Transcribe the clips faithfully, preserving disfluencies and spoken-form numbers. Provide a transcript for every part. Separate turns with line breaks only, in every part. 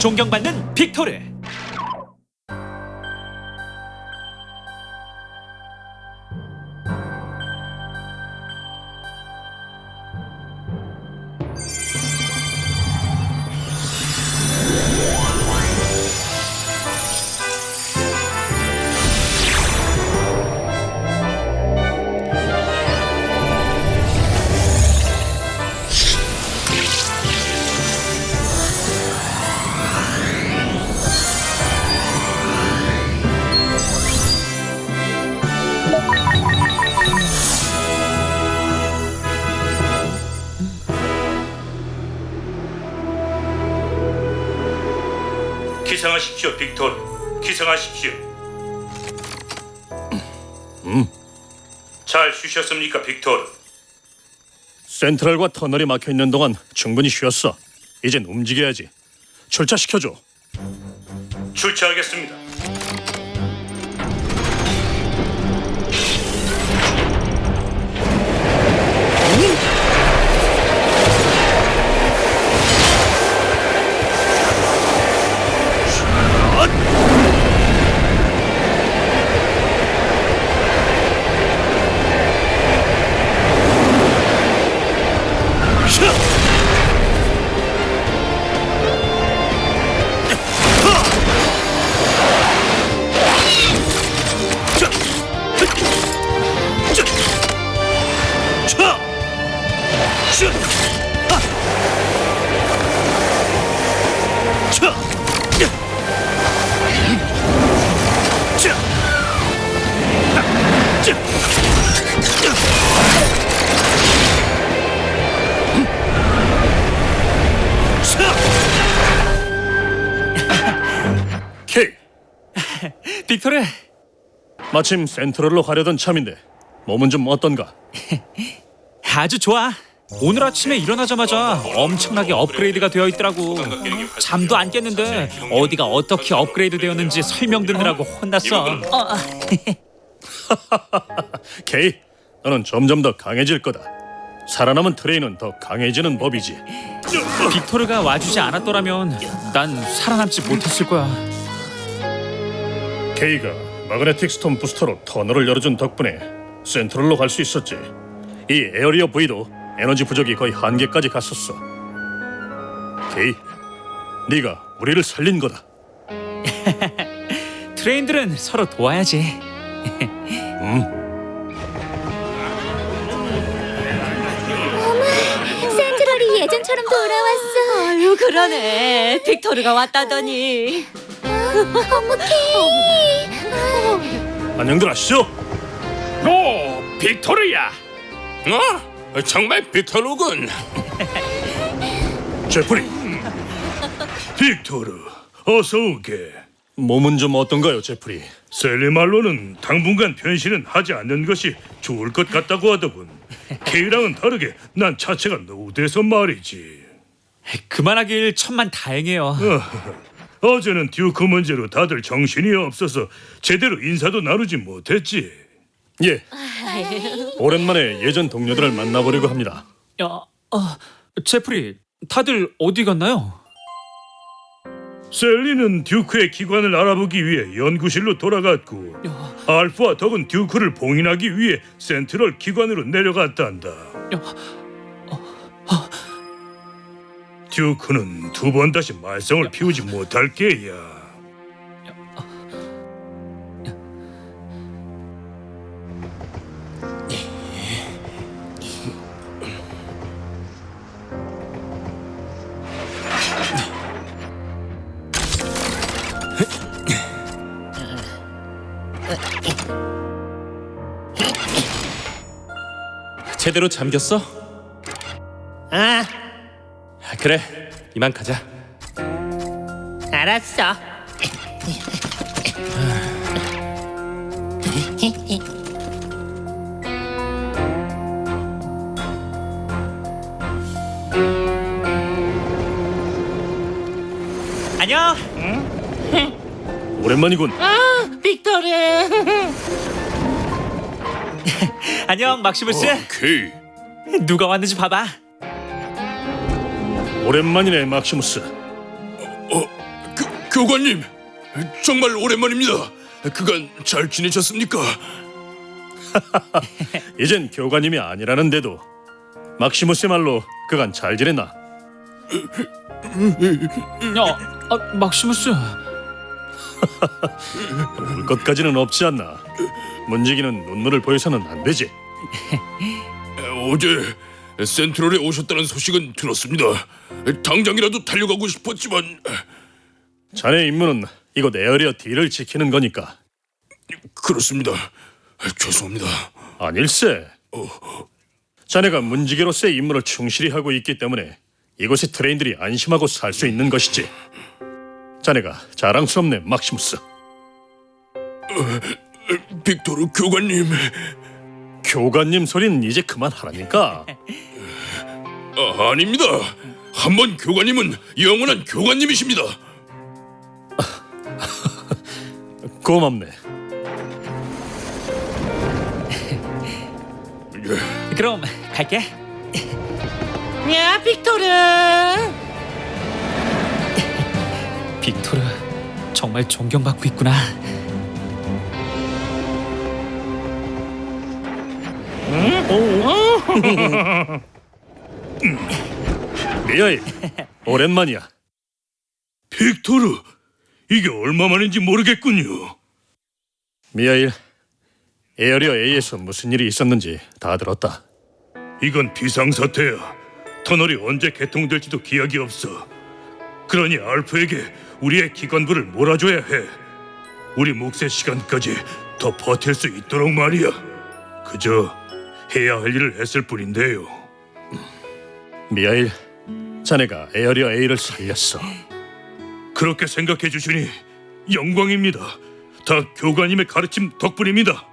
존경받는 빅토르.
기상하십시오, 빅토르. 기상하십시오.
음,
잘 쉬셨습니까, 빅토르?
센트럴과 터널이 막혀 있는 동안 충분히 쉬었어. 이젠 움직여야지. 출차시켜줘.
출차하겠습니다.
케이,
빅토르,
마침 센트럴로 가려던 참인데 몸은 좀 어떤가?
아주 좋아. 오늘 아침에 일어나자마자 엄청나게 업그레이드가 되어 있더라고. 잠도 안 깼는데 어디가 어떻게 업그레이드 되었는지 설명 듣느라고 혼났어. 어,
케이, 너는 점점 더 강해질 거다. 살아남은 트레이는 더 강해지는 법이지.
빅토르가 와주지 않았더라면 난 살아남지 못했을 거야.
케이가 마그네틱 스톰 부스터로 터널을 열어준 덕분에 센트럴로 갈 수 있었지. 이 에어리어 V도 에너지 부족이 거의 한계까지 갔었어. 케이, 네가 우리를 살린 거다.
트레인들은 서로 도와야지.
음,
센트럴이 예전처럼 돌아왔어.
아유 그러네. 빅토르가 왔다더니.
어머 케이.
안녕들 하시죠?
오, 빅토르야. 어? 정말 빅토르군.
제프리,
빅토르, 어서 오게.
몸은 좀 어떤가요, 제프리?
셀리 말로는 당분간 변신은 하지 않는 것이 좋을 것 같다고 하더군. 케이랑은 다르게 난 자체가 노후돼서 말이지.
그만하길 천만 다행이에요.
어제는 듀크 문제로 다들 정신이 없어서 제대로 인사도 나누지 못했지.
예, 오랜만에 예전 동료들을 만나보려고 합니다.
어, 어, 제프리, 다들 어디 갔나요?
셀리는 듀크의 기관을 알아보기 위해 연구실로 돌아갔고, 알프와 덕은 듀크를 봉인하기 위해 센트럴 기관으로 내려갔단다. 듀크는 두 번 다시 말썽을 피우지 못할 게야.
제대로 잠겼어?
아,
그래, 이만 가자.
알았어.
안녕.
오랜만이군.
아, 빅토르.
안녕, 막시무스.
케이.
누가 왔는지 봐봐.
오랜만이네, 막시무스.
교관님, 정말 오랜만입니다. 그간 잘 지내셨습니까?
이젠 교관님이 아니라는데도 막시무스의 말로 그간 잘 지냈나?
야, 아, 막시무스.
울 것까지는 없지 않나. 문지기는 눈물을 보여서는 안 되지.
어제 센트럴에 오셨다는 소식은 들었습니다. 당장이라도 달려가고 싶었지만
자네 임무는 이곳 에어리어 D를 지키는 거니까.
그렇습니다. 죄송합니다.
아닐세. 자네가 문지기로서의 임무를 충실히 하고 있기 때문에 이곳의 트레인들이 안심하고 살 수 있는 것이지. 자네가 자랑스럽네, 막시무스.
빅토르 교관님,
교관님 소리는 이제 그만하라니까.
아, 아닙니다. 한 번 교관님은 영원한 교관님이십니다.
고맙네.
그럼 갈게.
야, 빅토르.
빅토르 정말 존경받고 있구나.
미아일, 오랜만이야.
빅토르, 이게 얼마만인지 모르겠군요.
미아일, 에어리어 A에서 무슨 일이 있었는지 다 들었다.
이건 비상사태야. 터널이 언제 개통될지도 기약이 없어. 그러니 알프에게 우리의 기관부를 몰아줘야 해. 우리 몫의 시간까지 더 버틸 수 있도록 말이야. 그저 해야 할 일을 했을 뿐인데요.
미아일, 자네가 에어리어 A를 살렸어.
그렇게 생각해 주시니 영광입니다. 다 교관님의 가르침 덕분입니다.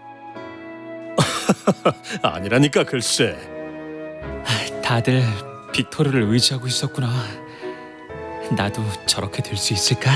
아니라니까 글쎄.
다들 빅토르를 의지하고 있었구나. 나도 저렇게 될 수 있을까?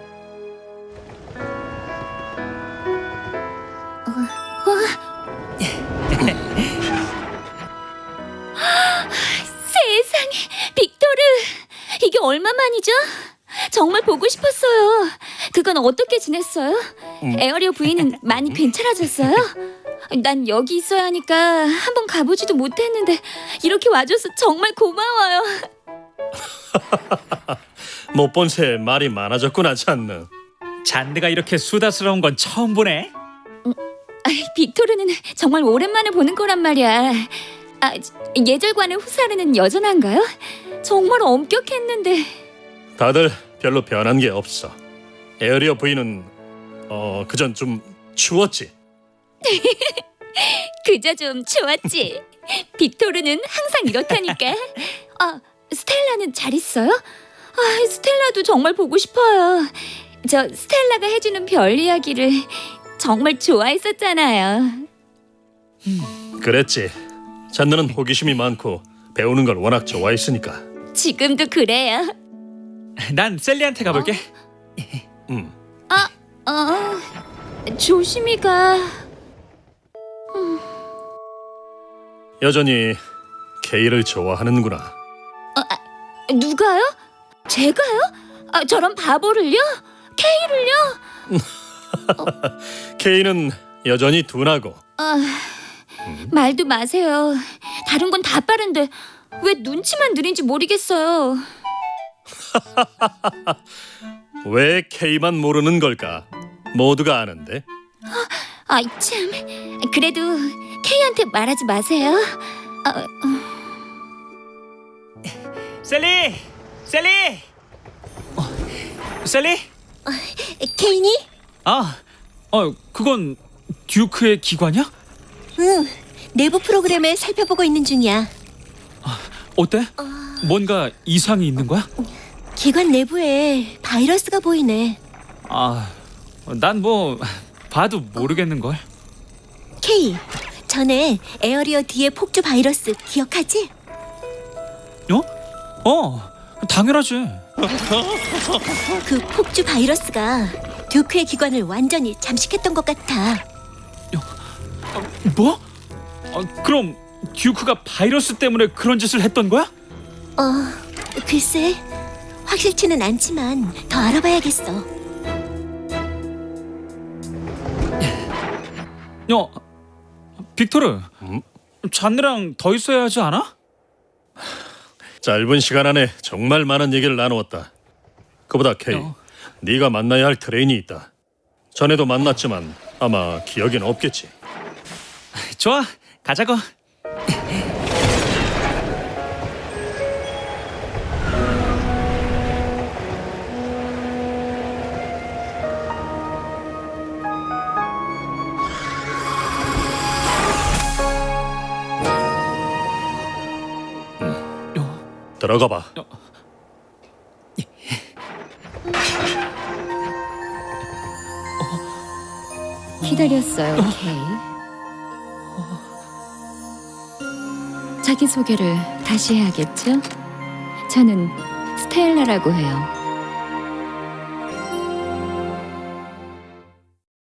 세상에, 빅토르. 이게 얼마만이죠? 정말 보고 싶었어요. 그건 어떻게 지냈어요? 에어리어 부인은 많이 괜찮아졌어요? 난 여기 있어야 하니까 한번 가보지도 못했는데 이렇게 와줘서 정말 고마워요.
못 본 새 말이 많아졌구나, 잔느.
잔드가 이렇게 수다스러운 건 처음 보네.
아이, 빅토르는 정말 오랜만에 보는 거란 말이야. 아, 예절관의 후사르는 여전한가요? 정말 엄격했는데.
다들 별로 변한 게 없어. 에어리어 부인은 어 그전 좀 추웠지.
그저 좀 좋았지. 빅토르는 항상 이렇다니까. 아, 스텔라는 잘 있어요? 아, 스텔라도 정말 보고 싶어요. 저 스텔라가 해주는 별 이야기를 정말 좋아했었잖아요.
그랬지. 잔느는 호기심이 많고 배우는 걸 워낙 좋아했으니까.
지금도 그래요.
난 셀리한테 가볼게.
음.
어, 조심히 가.
여전히 케이를 좋아하는구나.
누가요? 제가요? 아, 저런 바보를요? 케이를요?
케이는 여전히 둔하고.
아, 말도 마세요. 다른 건 다 빠른데 왜 눈치만 느린지 모르겠어요.
왜 케이만 모르는 걸까? 모두가 아는데.
아이 참. 그래도 케이한테 말하지 마세요. 어, 어.
셀리, 셀리. 어, 셀리?
케인이?
아, 어, 그건 듀크의 기관이야?
응, 내부 프로그램을 살펴보고 있는 중이야.
어때? 뭔가 이상이 있는 거야?
기관 내부에 바이러스가 보이네.
아, 난 뭐 봐도 모르겠는 걸.
케이, 전에 에어리어 D의 폭주 바이러스 기억하지?
어? 어, 당연하지.
그 폭주 바이러스가 듀크의 기관을 완전히 잠식했던 것 같아.
뭐? 어, 그럼 듀크가 바이러스 때문에 그런 짓을 했던 거야?
어, 글쎄, 확실치는 않지만 더 알아봐야겠어.
야, 빅토르, 잔느랑 더 있어야 하지 않아?
짧은 시간 안에 정말 많은 얘기를 나누었다. 그보다 케이,
어.
네가 만나야 할 트레인이 있다. 전에도 만났지만 아마 기억엔 없겠지.
좋아, 가자고.
들어가 봐.
기다렸어요, 케이. 자기 소개를 다시 해야겠죠? 저는 스텔라라고 해요.